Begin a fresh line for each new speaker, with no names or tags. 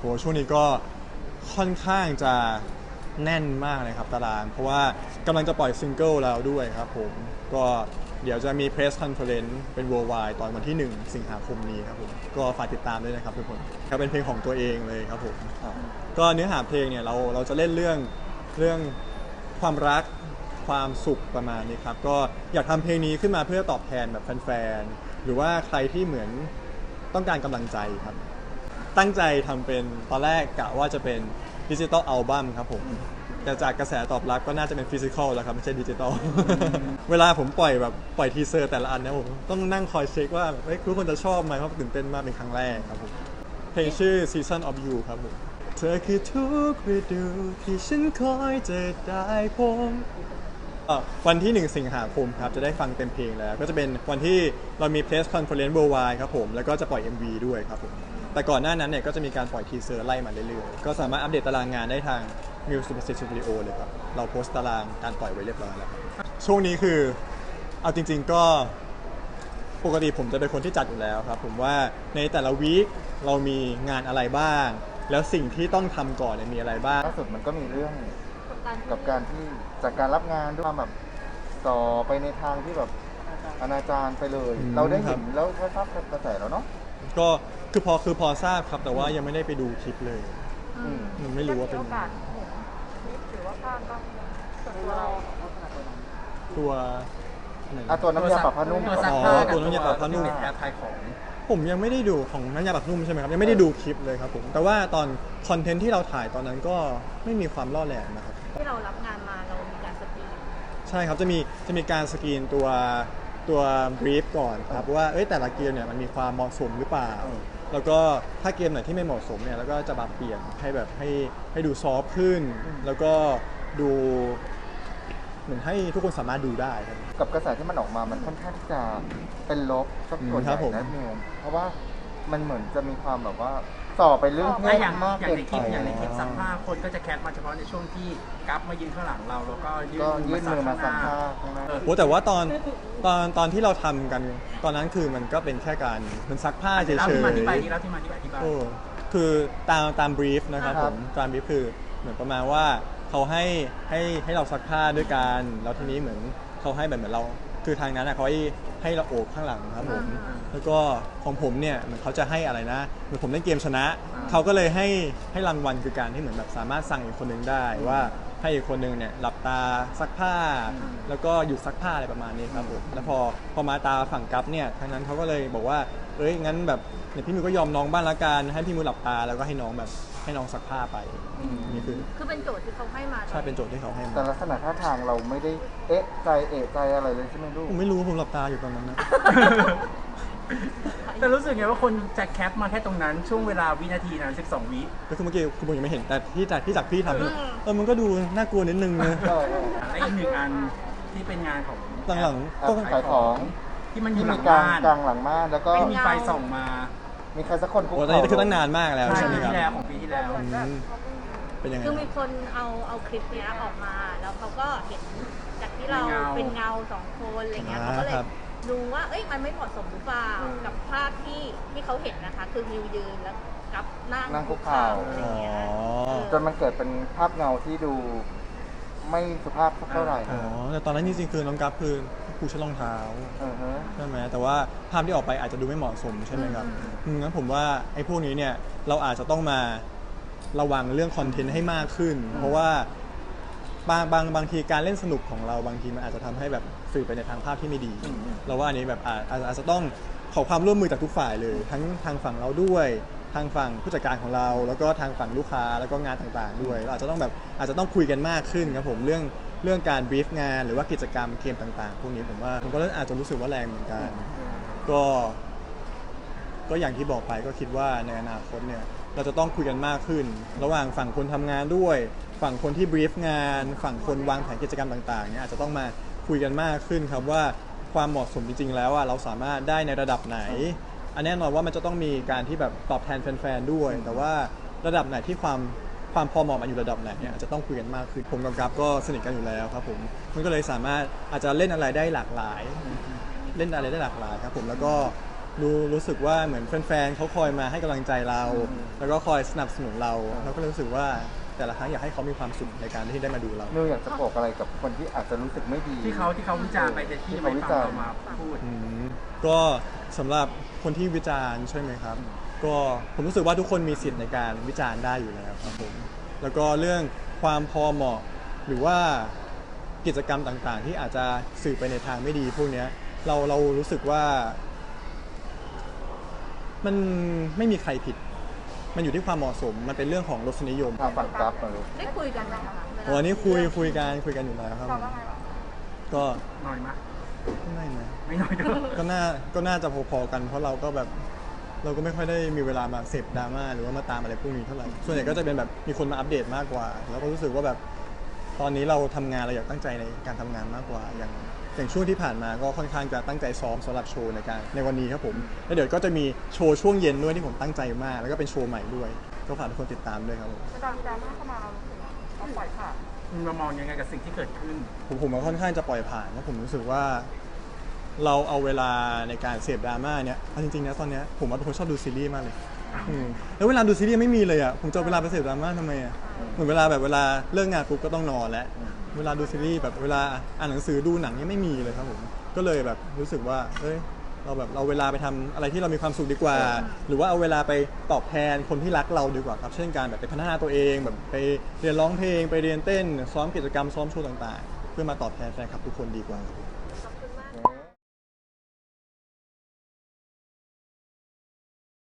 โหช่วงนี้ก็ค่อนข้างจะแน่นมากเลยครับตารางเพราะว่ากำลังจะปล่อยซิงเกิลแล้วด้วยครับผมก็เดี๋ยวจะมี Press Conference เป็น Worldwide ตอนวันที่1 สิงหาคมนี้ครับผมก็ฝากติดตามด้วยนะครับทุกคนก็เป็นเพลงของตัวเองเลยครับผมก็เนื้อหาเพลงเนี่ยเราจะเล่นเรื่องความรักความสุขประมาณนี้ครับก็อยากทำเพลงนี้ขึ้นมาเพื่อตอบแทนแบบแฟนๆหรือว่าใครที่เหมือนต้องการกำลังใจครับตั้งใจทำเป็นตอนแรกกะว่าจะเป็นดิจิตอลอัลบั้มครับผมแต่จากกระแสตอบรับก็น่าจะเป็นฟิสิกอลแล้วครับไม่ใช่ดิจิตอล เวลาผมปล่อยทีเซอร์แต่ละอันเนี่ยผมต้องนั่งคอยเช็คว่าทุกคนจะชอบไหมเพราะตื่นเต้นมากเป็นครั้งแรกครับผมเพลงชื่อ Season of You ครับผมเธอคือทุกฤดูที่ฉันคอยจะได้พบวันที่1 สิงหาคมครับจะได้ฟังเต็มเพลงแล้วก็จะเป็นวันที่เรามี Press Conference Worldwide ครับผมแล้วก็จะปล่อย MV ด้วยครับผมแต่ก่อนหน้านั้นเนี่ยก็จะมีการปล่อยทีเซอร์ไล่มาเรื่อยๆก็สามารถอัปเดตตารางงานได้ทาง Music Superstar Studio เลยครับเราโพสต์ตารางการปล่อยไว้เรียบร้อยแล้วครับช่วงนี้คือเอาจริงๆก็ปกติผมจะเป็นคนที่จัดอยู่แล้วครับผมว่าในแต่ละวีคเรามีงานอะไรบ้างแล้วสิ่งที่ต้องทำก่อนเนี่ยมีอะไรบ้าง
ล่าสุดมันก็มีเรื่องกับการที่จากการรับงานด้วยแบบต่อไปในทางที่แบบอนาจารไปเลย เราได้เห็นแล้วก็ทราบกระแสแล้วเนาะ
ก็คือพอทราบครับแต่ว่ายังไม่ได้ไปดูคลิปเลยไม่รู้ว่าเป็น
หรือว่าภาพบ้างส่วนตัวเรา
ตัว
น้ำยาปรับผ้านุ่ม
ตัวน้ำยาปรับผ้านุ่ม
แอปไทยของ
ผมยังไม่ได้ดูของน้ำยาปรับผ้านุ่มใช่ไหมครับยังไม่ได้ดูคลิปเลยครับผมแต่ว่าตอนคอนเทนต์ที่เราถ่ายตอนนั้นก็ไม่มีความล่อแหลมนะครับ
ที่เรารับงานมาเรามีการสกรีน
ใช่ครับจะมีการสกรีนตัวบรีฟก่อนครับว่าแต่ละเกมเนี่ยมันมีความเหมาะสมหรือเปล่าแล้วก็ถ้าเกมไหนที่ไม่เหมาะสมเนี่ยแล้วก็จะปรับเปลี่ยนให้แบบให้ดูซอฟต์ขึ้นแล้วก็ดูเหมือนให้ทุกคนสามารถดูได้ครับ
กับกระแสที่มันออกมามันค่อนข้างที่จะเป็นลบสักส่วนใหญ่นะนิวเพราะว่ามันเหมือนจะมีความแบบว่าต่อไปเรื่องเพศมากเกินไป
อย่างในคลิปซักผ้าคนก็จะแคปมาเฉพาะในช่วงที่กัฟมายืนข้างหลังเราแล้วก็ยื่นมือมาซักผ้า
โอ้แต่ว่าตอนที่เราทำกันตอนนั้นคือมันก็เป็นแค่การมันซักผ้าเฉยๆ
แล้วที่มาที่ไป
คือตามบรีฟนะครับผมตามบรีฟคือเหมือนประมาณว่าเขาให้เราซักผ้าด้วยกันแล้วทีนี้เหมือนเขาให้แบบเหมือนเราคือทางนั้นเขาให้เราโอบข้างหลังครับผมแล้วก็ของผมเนี่ยเหมือนเขาจะให้อะไรนะเหมือนผมเล่นเกมชนะเขาก็เลยให้รางวัลคือการที่เหมือนแบบสามารถสั่งอีกคนนึงได้ว่าให้อีกคนนึงเนี่ยหลับตาซักผ้าแล้วก็หยุดซักผ้าอะไรประมาณนี้ครับผมแล้วพอมาตาฝั่งกัฟเนี่ยทางนั้นเขาก็เลยบอกว่างั้นแบบเนี่ยพี่มิวก็ยอมน้องบ้างละกันให้พี่มิวหลับตาแล้วก็ให้น้องซักผ้าไปนี่
คือเป็นโจทย์ที่เขาให้มา
ใช่เป็นโจทย์ที่เขาให้มา
แต่ลักษณะท่าทางเราไม่ได้เอะใจอะไรเลยใช่ไหมลูก
ผมไม่รู้ผมหลับตาอยู่ตอนนั้นนะ
แต่รู้สึกไงว่าคนจะแคปมาแค่ตรงนั้นช่วงเวลาวินาทีนั้น12 วิ
ก็คือเมื่อกี้คือผมยังไม่เห็นแต่ที่จากพี่ทำมันก็ดูน่ากลัวนิดนึงนะ
และอีกหนึ่งอันที่เป็นงานของ
หลัง
ก็ขายของ
ที่มันอยู่หลัง
บ้า
น
กลางหลังบ้านแล้วก็
มีไฟส่องมา
มีใครสักคน
คุกเข่าตอนนี้คือตั้งนานมากแล้วใช่ไหมครับ
ของปีที่แล้ว
เป็นยังไง
คือมีคนเอาคลิปนี้ออกมาแล้วเขาก็เห็นจากที่เราเป็นเงา2 คนอะไรเงี้ยเขาก็เลยดูว่ามันไม่เหมาะสมหรือเปล่ากับภาพที่เขาเห็นนะคะคือมิวยืนแล้วกับ
นั่งคุกเข่า
อะไรเงี้ย
จนมันเกิดเป็นภาพเงาที่ดูไม่สุภาพสักเท่าไหร่
แต่ตอนนั้นจริงๆคือน้องกัฟคือผู้ใช้รองเท้าใช่ไหมแต่ว่าภาพที่ออกไปอาจจะดูไม่เหมาะสมใช่ไหมครับงั้นผมว่าไอ้พวกนี้เนี่ยเราอาจจะต้องมาระวังเรื่องคอนเทนต์ให้มากขึ้นเพราะว่าบางทีการเล่นสนุกของเราบางทีมันอาจจะทำให้แบบสื่อไปในทางภาพที่ไม่ดีเราว่าอันนี้แบบอาจจะต้องขอความร่วมมือจากทุกฝ่ายเลยทั้งทางฝั่งเราด้วยทางฝั่งผู้จัดการของเราแล้วก็ทางฝั่งลูกค้าแล้วก็งานต่างๆด้วยเราอาจจะต้องคุยกันมากขึ้นครับผมเรื่องการบรีฟงานหรือว่ากิจกรรมเกมต่างๆพวกนี้ผมก็อาจจะรู้สึกว่าแรงเหมือนกันก็อย่างที่บอกไปก็คิดว่าในอนาคตเนี่ยเราจะต้องคุยกันมากขึ้นระหว่างฝั่งคนทำงานด้วยฝั่งคนที่บรีฟงานฝั่งคนวางแผนกิจกรรมต่างๆเนี่ยอาจจะต้องมาคุยกันมากขึ้นครับว่าความเหมาะสมจริงๆแล้วเราสามารถได้ในระดับไหนอันแน่นอนว่ามันจะต้องมีการที่แบบตอบแทนแฟนๆด้วยแต่ว่าระดับไหนที่ความพอเหมาะมันอยู่ระดับไหนเนี่ยอาจจะต้องคุยกันมากขึ้นผมกับกัฟก็สนิทกันอยู่แล้วครับผมมันก็เลยสามารถอาจจะเล่นอะไรได้หลากหลายครับผมแล้วก็รู้สึกว่าเหมือนแฟนๆเขาคอยมาให้กำลังใจเรา แล้วก็คอยสนับสนุนเราก็เลยรู้สึกว่าแต่ละครั้งอยากให้เขามีความสุขในการที่ได้มาดูเรา
นิวอยากจะบอกอะไรกับคนที่อาจจะรู้สึกไม่ดี
ที่เขาวิจารณ์ไปแต่ที่ไม่ฟังเรามาพูด
ก็สำหรับคนที่วิจารณ์ใช่ไหมครับ ก็ผมรู้สึกว่าทุกคนมีสิทธิ์ในการวิจารณ์ได้อยู่แล้วครับผมแล้วก็เรื่องความพอเหมาะหรือว่ากิจกรรมต่างๆ ที่อาจจะสื่อไปในทางไม่ดีพวกนี้เรารู้สึกว่ามันไม่มีใครผิด มันอยู่ที่ความเหมาะสมมันเป็นเรื่องของรสนิยม
ทางฝั่งกราฟมาลูก
ได้คุยกันไหมคะ
วันนี้คุยกันอยู่แล้วครับก็
หน่อยมั้ย
ไม่นะ
ไม่น้อยด้วย
ก็น่าจะพอๆกันเพราะเราก็แบบเราก็ไม่ค่อยได้มีเวลามาเสพดราม่าหรือว่ามาตามอะไรพวกนี้เท่าไหร่ส่วนใหญ่ก็จะเป็นแบบมีคนมาอัปเดตมากกว่าแล้วก็รู้สึกว่าแบบตอนนี้เราทำงานเราอยากตั้งใจในการทำงานมากกว่าอย่างช่วงที่ผ่านมาก็ค่อนข้างจะตั้งใจซ้อมสำหรับโชว์ในวันนี้ครับผมแล้วเดี๋ยวก็จะมีโชว์ช่วงเย็นด้วยที่ผมตั้งใจมากแล้วก็เป็นโชว์ใหม่ด้วยก็ฝากทุกคนติดตามด้วยครับผม
ตอนดราม่าเข้ามาเราปล่อยผ่าน
มามองยังไงกับสิ่งที่เกิดขึ้น
ผมก็ค่อนข้างจะปล่อยผ่านเพราะผมรู้สึกว่าเราเอาเวลาในการเสพดราม่าเนี่ยเอาจริงๆนะตอนเนี้ยผมว่าเป็นคนชอบดูซีรีส์มากเลยแล้วเวลาดูซีรีส์ไม่มีเลยอ่ะผมจะเอาเวลาไปเสพดราม่าทำไมอ่ะเหมือนเวลาเลิกงานปุ๊บก็ต้องนอนแล้วเวลาดูซีรีส์แบบเวลาอ่านหนังสือดูหนังเนี่ยไม่มีเลยครับผมก็เลยแบบรู้สึกว่าเราเวลาไปทำอะไรที่เรามีความสุขดีกว่า หรือว่าเอาเวลาไปตอบแทนคนที่รักเราดีกว่าครับเช่นการแบบไปพัฒนาตัวเองแบบไปเรียนร้องเพลงไปเรียนเต้นซ้อมกิจกรรมซ้อมโชว์ต่างๆ เพื่อมาตอบแทนแฟนคลับทุกคนดีกว่าครับ